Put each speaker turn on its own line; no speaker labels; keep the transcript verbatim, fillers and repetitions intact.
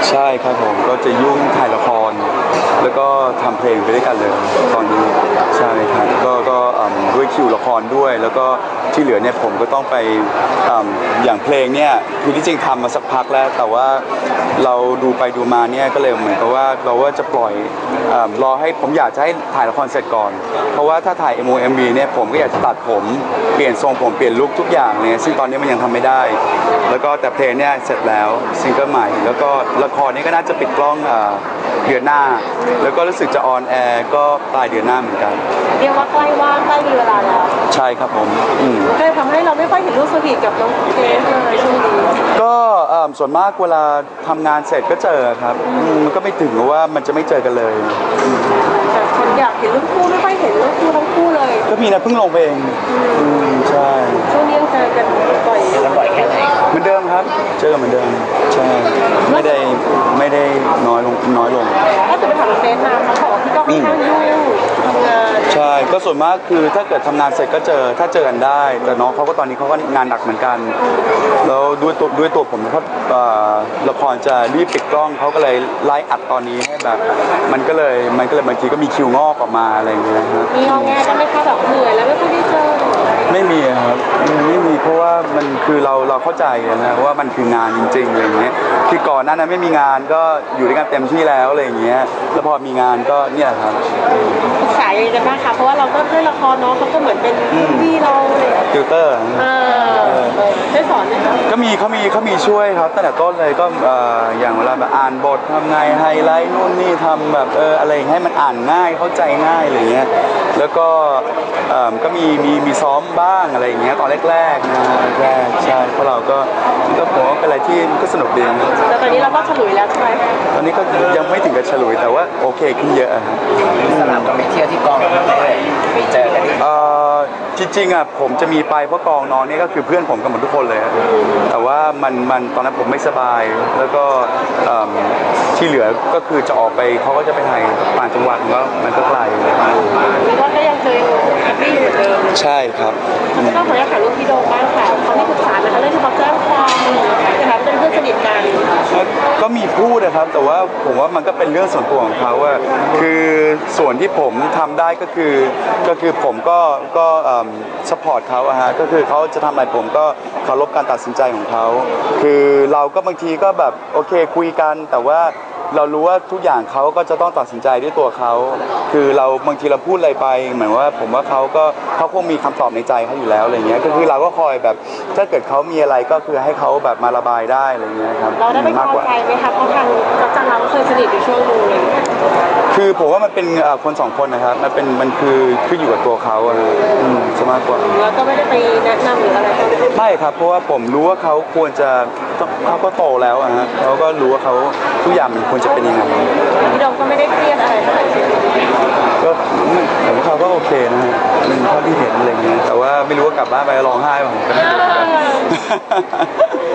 ใช่ครับผมก็จะยุ่งถ่ายละครแล้วก็ทำเพลงไปด้วยกันเลยตอนนี้ใช่ครับก็ก็ด้วยคิวละครด้วยแล้วก็ที่เหลือเนี่ยผมก็ต้องไปอย่างเพลงเนี่ยคือที่จริงทำมาสักพักแล้วแต่ว่าเราดูไปดูมาเนี่ยก็เลยเหมือนกับว่าเราว่าจะปล่อยรอให้ผมอยากจะให้ถ่ายละครเสร็จก่อนเพราะว่าถ้าถ่าย เอ็ม วี เอ็ม วี เนี่ยผมก็อยากจะตัดผมเปลี่ยนทรงผมเปลี่ยนลุคทุกอย่างเนี่ยซึ่งตอนนี้มันยังทำไม่ได้แล้วก็แต่เพลงเนี่ยเสร็จแล้วซิงเกิลใหม่แล้วก็ละครนี้ก็น่าจะปิดกล้องเดือนหน้าแล้วก็รู้สึกจะออนแอร์ก็ปลายเดือนหน้าเหมือนกัน
เรียกว่าใกล้ว่างใกล้มีเวลาแล้ว
ใช่ครับผม
ก็เลยทำให้เราไม่ค่อยเห็นรูปสวีทกับน้องเกรซเลยช่วงนี้
ก็ส่วนมากเวลาทำงานเสร็จก็เจอครับมันก็ไม่ถึงว่ามันจะไม่เจอกันเลย
แต่คนอยากเห็นรูปคู่ไม่ค่อยเห็นรูปคู่ทั้งคู่เลย
ก็มีนะเพิ่งลงไปเองใช่
ช่วงนี้ยังเจอกันบ่อย
แล้วบ่อยแค่ไหน
เหมือนเดิมครับเจอกันเหมือนเดิมใช่ไม่ได้ไม่ได้น้อยลงน้อยลง
ถ้าจะไปถามน้องเกรซมาเขาบอกว่าพี่ก็ค่อนข้างยุ่งทำงาน
ใช่ก็ส่วนมากคือถ้าเกิดทำงานเสร็จก็เจอถ้าเจอกันได้แต่น้องเขาก็ตอนนี้เขาก็งานหนักเหมือนกันแล้วด้วยตัวด้วยตัวผมเพราะละครจะรีบปิดกล้องเขาก็เลยไล่อัดตอนนี้ให้แบบมันก็เลยมันก็เลยบางทีก็มีคิวงอกออกมาอะไรอย่างเงี้ยครับ
มีงอแงกันไหมคะแบบเหนื่อยแล้วไม่ค่อยได้เจอ
ไม่มีครับไม่มีเพราะว่ามันคือเราเราเข้าใจนะว่ามันคืองานจริงๆอะไรอย่างเงี้ยคือก่อนหน้านั้นไม่มีงานก็อยู่ด้วยกันเต็มที่แล้วอะไรอย่างเงี้ยแล้วพอมีงานก็เนี่ยครับ
ปรึกษาอย่างไรกันบ้างคะเพราะว่าเราก็ด้วยละครเนาะเขาก็เหมือนเป็นพี่เราเลย
ติวเตอร์
ได้สอนไหมคะ
ก็มีเขามีเขามีช่วยครับตั้งแต่ต้นเลยก็อย่างเวลาแบบอ่านบททำไงไฮไลท์นู่นนี่ทำแบบเอออะไรให้มันอ่านง่ายเข้าใจง่ายอะไรเงี้ยแล้วก็ก็มีมีมีซ้อมบ้างอะไรอย่างเงี้ยตอนแรกๆนะแรกใช่เพราะเราก็ก็ผมว่าเป็นอะไรที่ก็สนุกดี
แต่ตอนนี้เราก็ฉลุยแล้วใช่ไหม
ตอนนี้ก็ยังไม่ถึงกับฉลุยแต่ว่าโอเคขึ้นเยอะครับ
สนามก็ไปเที่ยวที่กองไม่ได้ไปเจอกัน
จริงๆอ่ะผมจะมีไปเพราะกองน้องนี่ก็คือเพื่อนผมกันหมดทุกคนเลยแต่ว่ามันมันตอนนั้นผมไม่สบายแล้วก็ที่เหลือก็คือจะออกไปเขาก็จะไปถ่ายต่างจังหวัดก็มันก็ไกล
แล้วก็ยังเคยพี่อยู่เดิม
ใช่ครับ
ก็ต้องขออนุญาตถ่ายรูปพี่โดมบ้างค่ะเขาไม่ปรึกษานะคะเรื่องที่เขาแจ้งความนะคะเป็นเพื่อนสนิทกัน
ก็มีพูดนะครับแต่ว่าผมว่ามันก็เป็นเรื่องส่วนตัวของเขาว่าคือส่วนที่ผมทำได้ก็คือก็คือผมก็ก็สปอร์ตเขาอะฮะก็คือเขาจะทำอะไรผมก็เคารพการตัดสินใจของเขาคือเราก็บางทีก็แบบโอเคคุยกันแต่ว่าเรารู้ว่าทุกอย่างเขาก็จะต้องตัดสินใจด้วยตัวเขาคือเราบางทีเราพูดอะไรไปเหมือนว่าผมว่าเขาก็เขาคงมีคำตอบในใจเขาอยู่แล้วอะไรเงี้ยก็คือเราก็คอยแบบถ้าเกิดเขามีอะไรก็คือให้เขาแบบมาระบายได้อะไรเงี้ยครับ
เราได้ไปพอใจไหมคะเพราะทางจังเราเคยสนิทอยู่ช่วงนึงเลย
คือผมว่ามันเป็นคนสองคนนะครับมันเป็นมันคือขึ้นอยู่กับตัวเขาอะซะมากกว่า
แล้วก็ไม่ได้ไปแนะนำหรืออะไร
ไม่ครับเพราะว่าผมรู้ว่าเขาควรจะเขาก็โตแล้วอะฮะเขาก็รู้ว่าเขาทุกอย่างมันควรจะเป็นยังไง
พี่ดมก็ไม่ได้เครียดอะไรเท่าไหร่
ก็ผมเขาก็โอเคนะฮะมันเท่าที่เห็นอะไรเงี้ยแต่ว่าไม่รู้ว่ากลับบ้านไปร้องไห้ป่ะผมก็ไม่รู้